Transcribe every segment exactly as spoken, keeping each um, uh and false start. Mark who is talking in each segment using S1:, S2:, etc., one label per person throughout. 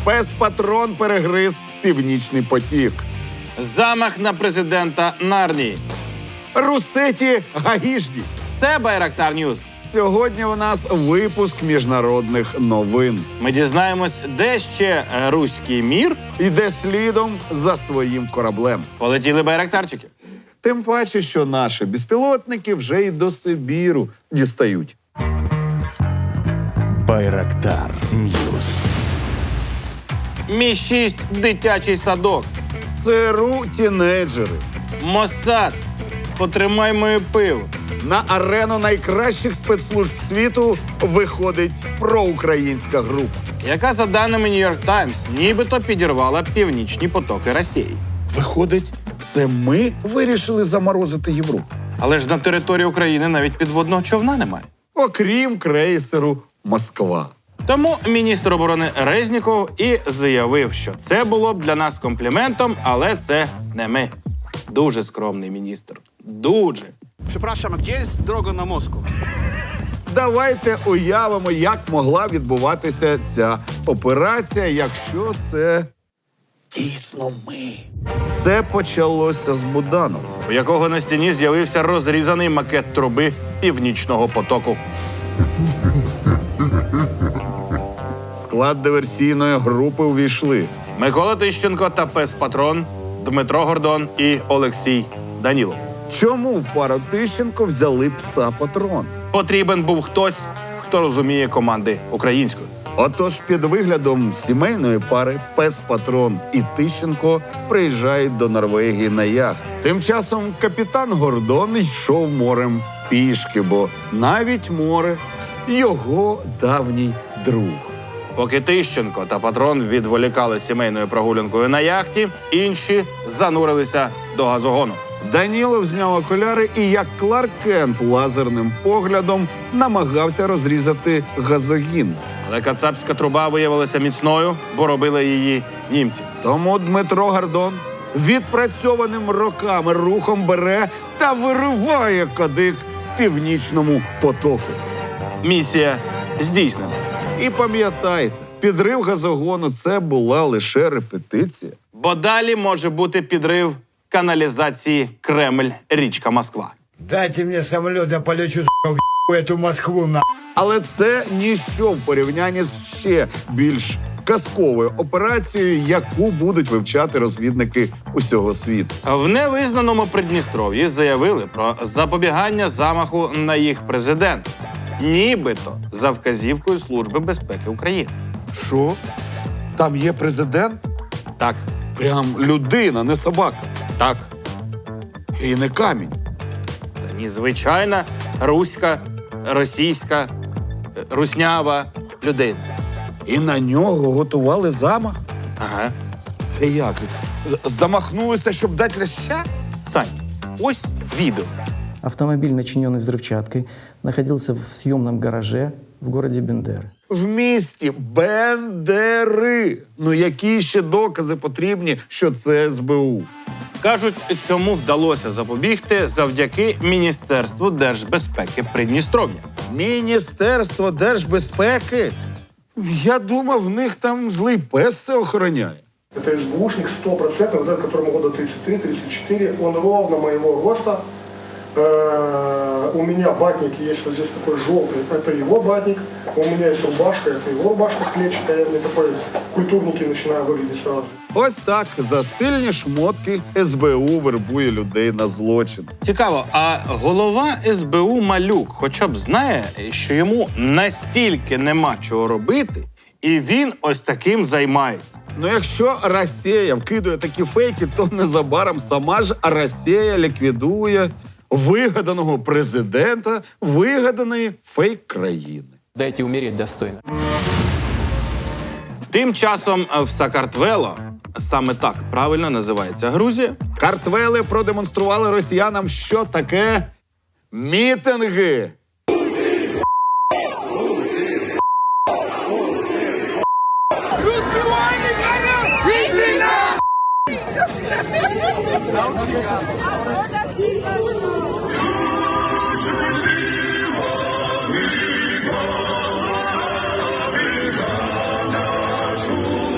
S1: Пес-патрон перегриз Північний потік.
S2: Замах на президента Нарнії.
S1: Русеті Гаїжді.
S2: Це Байрактар Ньюс.
S1: Сьогодні у нас випуск міжнародних новин.
S2: Ми дізнаємось, де ще руський мір.
S1: Іде слідом за своїм кораблем.
S2: Полетіли байрактарчики.
S1: Тим паче, що наші безпілотники вже й до Сибіру дістають.
S3: Байрактар Ньюс.
S2: Мі шість дитячий садок.
S1: ЦРУ тінейджери.
S2: Моссад. Потримай моє пиво.
S1: На арену найкращих спецслужб світу виходить проукраїнська група.
S2: Яка, за даними Нью-Йорк Таймс, нібито підірвала північні потоки Росії.
S1: Виходить, це ми вирішили заморозити Європу.
S2: Але ж на території України навіть підводного човна немає.
S1: Окрім крейсеру «Москва».
S2: Тому міністр оборони Резніков і заявив, що це було б для нас компліментом, але це не ми. Дуже скромний міністр. Дуже.
S4: Przepraszam, a gdzie jest droga na Moskву?
S1: Давайте уявимо, як могла відбуватися ця операція, якщо це дійсно ми. Все почалося з Буданова.
S2: У якого на стіні з'явився розрізаний макет труби Північного потоку.
S1: В склад диверсійної групи увійшли
S2: Микола Тищенко та пес-патрон, Дмитро Гордон і Олексій Данілов.
S1: Чому в пару Тищенко взяли пса-патрон?
S2: Потрібен був хтось, хто розуміє команди українською.
S1: Отож, під виглядом сімейної пари пес-патрон і Тищенко приїжджають до Норвегії на яхт. Тим часом капітан Гордон йшов морем пішки, бо навіть море – його давній друг.
S2: Поки Тищенко та патрон відволікали сімейною прогулянкою на яхті, інші занурилися до газогону.
S1: Данілов зняв окуляри і, як Кларк Кент, лазерним поглядом намагався розрізати газогін.
S2: Але кацапська труба виявилася міцною, бо робили її німці.
S1: Тому Дмитро Гордон відпрацьованим роками рухом бере та вириває кадик Північному потоку.
S2: Місія здійснена.
S1: І пам'ятайте, підрив газогону – це була лише репетиція.
S2: Бо далі може бути підрив каналізації Кремль-річка Москва.
S5: Дайте мне самолет, я полечу, сука, в эту Москву, на.
S1: Але це ніщо в порівнянні з ще більш казковою операцією, яку будуть вивчати розвідники усього світу.
S2: В невизнаному Придністров'ї заявили про запобігання замаху на їх президента. Нібито за вказівкою Служби безпеки України.
S1: Що? Там є президент?
S2: Так,
S1: Прям людина, не собака.
S2: так.
S1: І не камінь.
S2: Та ні, звичайна руська, російська, е, руснява людина.
S1: І на нього готували замах?
S2: Ага.
S1: Це як? Замахнулися, щоб дати ляща?
S2: Сань, ось відео.
S6: Автомобиль, начиненный взрывчаткой, находился в съемном гараже в городе Бендеры.
S1: В місті Бендери. Ну які ще докази потрібні, що це ес бе у?
S2: Кажуть, цьому вдалося запобігти завдяки Міністерству держбезпеки Придністров'я.
S1: Міністерство держбезпеки? Я думав, в них там злий пес все охороняє.
S7: Это эс бэ ушник сто процентов, вот этот, которому года тридцать три тридцать четыре, он ровно моего роста. Э, у меня батник есть вот здесь такой желтый, это его батник. У меня есть рубашка, это его рубашка клетчатая. Я мне такой культурники начинаю выглядеть сразу.
S1: Ось так за стильні шмотки ес бе у вербує людей на злочин.
S2: Цікаво, а голова ес бе у Малюк хоча б знає, що йому настільки нема чого робити, і він ось таким займається.
S1: Ну якщо Росія вкидує такі фейки, то незабаром сама ж Росія ліквідує вигаданого президента вигаданої фейк-країни.
S8: Дайте умереть достойно.
S2: Тим часом в Сакартвело, саме так правильно називається Грузія,
S1: Картвели продемонстрували росіянам, що таке мітинги.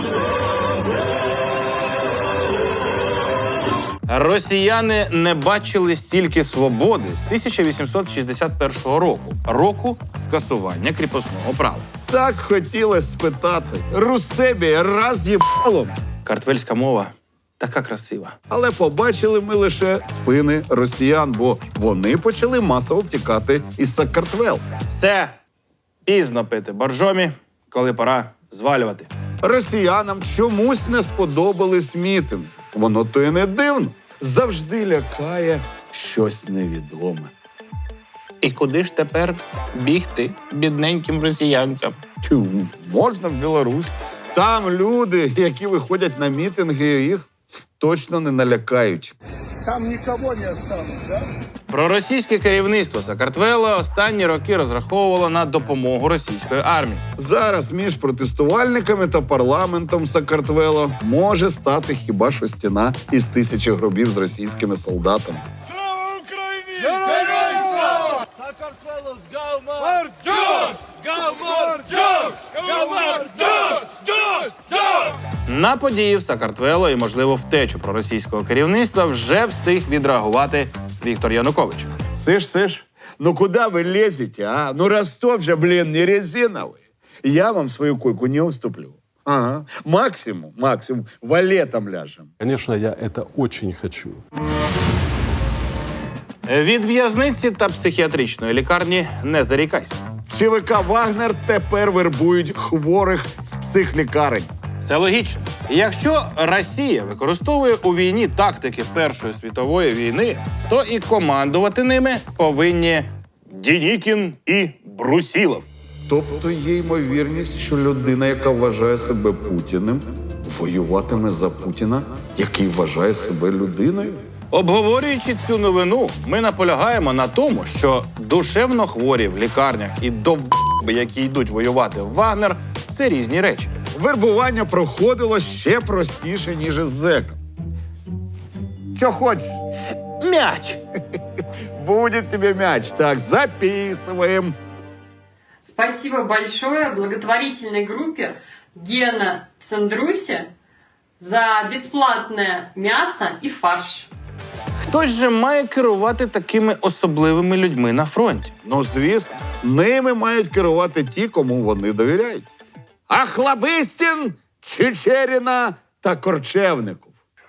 S2: Росіяни не бачили стільки свободи з тисяча вісімсот шістдесят першого року, року скасування кріпосного права.
S1: Так хотілося спитати. Русебі раз їбалом.
S2: Картвельська мова така красива.
S1: Але побачили ми лише спини росіян, бо вони почали масово втікати із Сакартвел.
S2: Все, пізно пити боржомі, коли пора звалювати.
S1: Росіянам чомусь не сподобались мітинги. Воно то і не дивно. Завжди лякає щось невідоме.
S2: І куди ж тепер бігти бідненьким росіянцям?
S1: Тю, можна в Білорусь. Там люди, які виходять на мітинги, їх точно не налякають.
S2: Проросійське керівництво Сакартвела останні роки розраховувало на допомогу російської армії.
S1: Зараз між протестувальниками та парламентом Сакартвело може стати хіба що стіна із тисячі гробів з російськими солдатами.
S2: На події в Сакартвело і, можливо, втечу проросійського керівництва вже встиг відреагувати Віктор Янукович.
S1: Сиш, сиш, ну куда вы лезете, а? Ну Ростов же, блин, не резиновый. Я вам свою койку не уступлю. Ага. Максимум, максимум, валетом ляжем.
S3: Конечно, я это очень хочу.
S2: Від в'язниці та психіатричної лікарні не зарікайся.
S1: ЧВК «Вагнер» тепер вербують хворих з психлікарень.
S2: Це логічно. Якщо Росія використовує у війні тактики Першої світової війни, то і командувати ними повинні Дінікін і Брусілов.
S1: Тобто є ймовірність, що людина, яка вважає себе Путіним, воюватиме за Путіна, який вважає себе людиною?
S2: Обговорюючи цю новину, ми наполягаємо на тому, що душевно хворі в лікарнях і довб***би, які йдуть воювати в Вагнер, це різні речі.
S1: Вербування проходило ще простіше, ніж із зеком. Що хочеш?
S2: Мяч!
S1: Будет тебе мяч. Так, записываем.
S8: Спасибо большое благотворительной группе Гена Цандрусе за бесплатное мясо и фарш.
S2: Хтось же має керувати такими особливими людьми на фронті.
S1: Ну, звісно, ними мають керувати ті, кому вони довіряють. Ахлабистін, Чечеріна та Корчевников.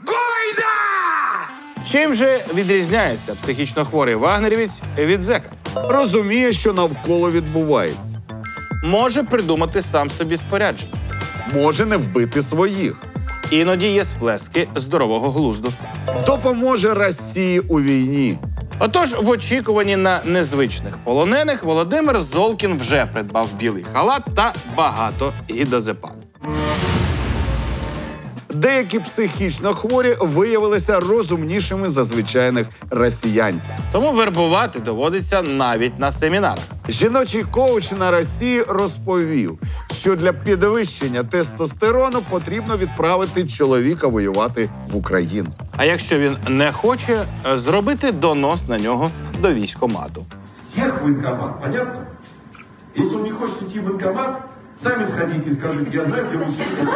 S2: Чим же відрізняється психічно хворий вагнерівець від зека?
S1: Розуміє, що навколо відбувається.
S2: Може придумати сам собі спорядження.
S1: Може не вбити своїх.
S2: Іноді є сплески здорового глузду.
S1: Допоможе Росії у війні.
S2: Отож, в очікуванні на незвичних полонених Володимир Золкін вже придбав білий халат та багато гідозепану.
S1: Деякі психічно хворі виявилися розумнішими за звичайних росіянців.
S2: Тому вербувати доводиться навіть на семінарах.
S1: Жіночий коуч на Росії розповів, що для підвищення тестостерону потрібно відправити чоловіка воювати в Україну.
S2: А якщо він не хоче, зробити донос на нього до військкомату.
S9: Всех в военкомат, понятно? Если он не хочет идти в военкомат, сами сходите и скажите, я знаю, где мужчина.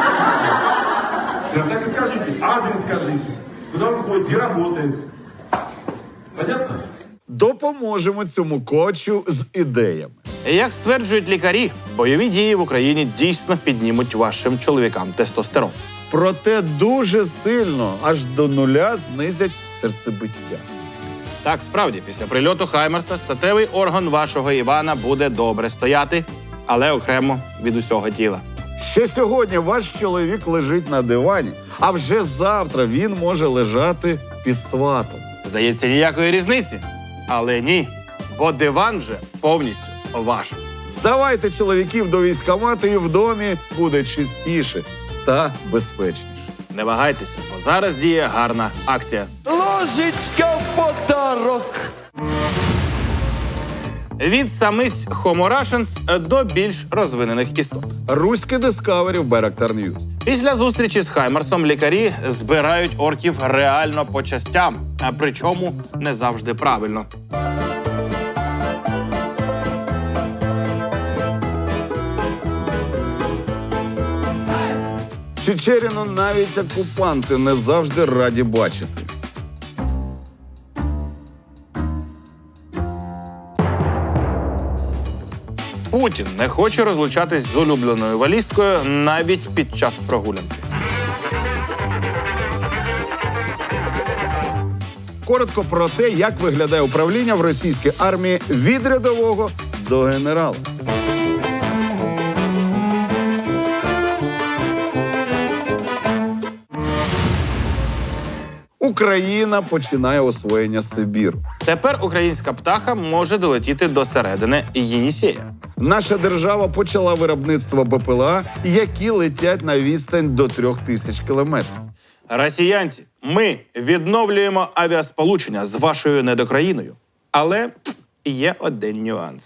S9: Прям так и скажите, адрес скажите, куда он ходит, где работает. Понятно?
S1: Допоможемо цьому коучу з ідеями.
S2: Як стверджують лікарі, бойові дії в Україні дійсно піднімуть вашим чоловікам тестостерон.
S1: Проте дуже сильно, аж до нуля, знизять серцебиття.
S2: Так, справді, після прильоту Хаймерса статевий орган вашого Івана буде добре стояти, але окремо від усього тіла.
S1: Ще сьогодні ваш чоловік лежить на дивані, а вже завтра він може лежати під сватом.
S2: Здається, ніякої різниці. Але ні, бо диван вже повністю ваш.
S1: Здавайте чоловіків до військкомату, і в домі буде чистіше та безпечніше.
S2: Не вагайтеся, бо зараз діє гарна акція.
S6: Ложечка в подарок.
S2: Від самиць Homo Russians до більш розвинених істот.
S1: Руське Discovery в Байрактар Ньюс.
S2: Після зустрічі з Хаймерсом лікарі збирають орків реально по частям, а причому не завжди правильно.
S1: Чечеріну навіть окупанти не завжди раді бачити.
S2: Путін не хоче розлучатись з улюбленою валізкою навіть під час прогулянки.
S1: Коротко про те, як виглядає управління в російській армії від рядового до генерала. Україна починає освоєння Сибіру.
S2: Тепер українська птаха може долетіти до середини Єнісея.
S1: Наша держава почала виробництво БПЛА, які летять на відстань до трьох тисяч кілометрів.
S2: Росіянці, ми відновлюємо авіасполучення з вашою недокраїною. Але є один нюанс.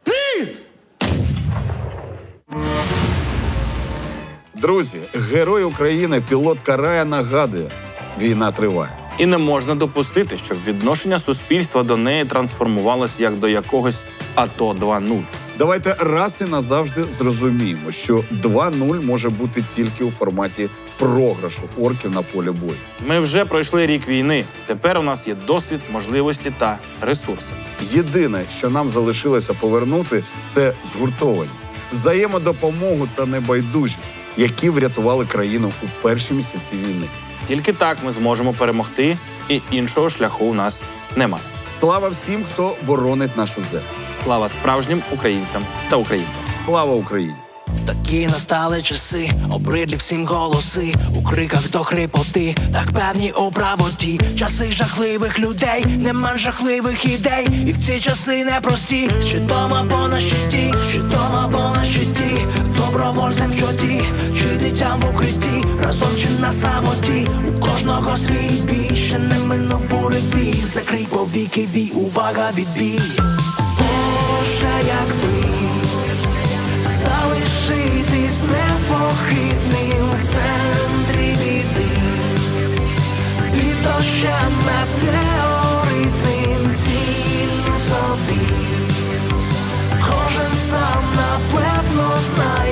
S1: Друзі, герой України, пілот Карая, нагадує – війна триває.
S2: І не можна допустити, щоб відношення суспільства до неї трансформувалось як до якогось АТО два нуль.
S1: Давайте раз і назавжди зрозуміємо, що два нуль може бути тільки у форматі програшу орків на полі бою.
S2: Ми вже пройшли рік війни. Тепер у нас є досвід, можливості та ресурси.
S1: Єдине, що нам залишилося повернути – це згуртованість, взаємодопомогу та небайдужість, які врятували країну у перші місяці війни.
S2: Тільки так ми зможемо перемогти, і іншого шляху у нас немає.
S1: Слава всім, хто боронить нашу землю.
S2: Слава справжнім українцям та українкам.
S1: Слава Україні!
S10: Такі настали часи, обридлі всім голоси, у криках до хрипоти, так певні у правоті. Часи жахливих людей, нема жахливих ідей, і в ці часи непрості. Щитом або на щиті, щитом або на щиті, добровольцем в чоті, чи дитям в укритті, разом чи на самоті. У кожного свій бій, ще не минув буревій, закрий повіки, вій, увага, відбій. Боже, якби залишитись непохитним в центрі біди, під дощем метеоритним, ціль собі. Кожен сам напевно знає.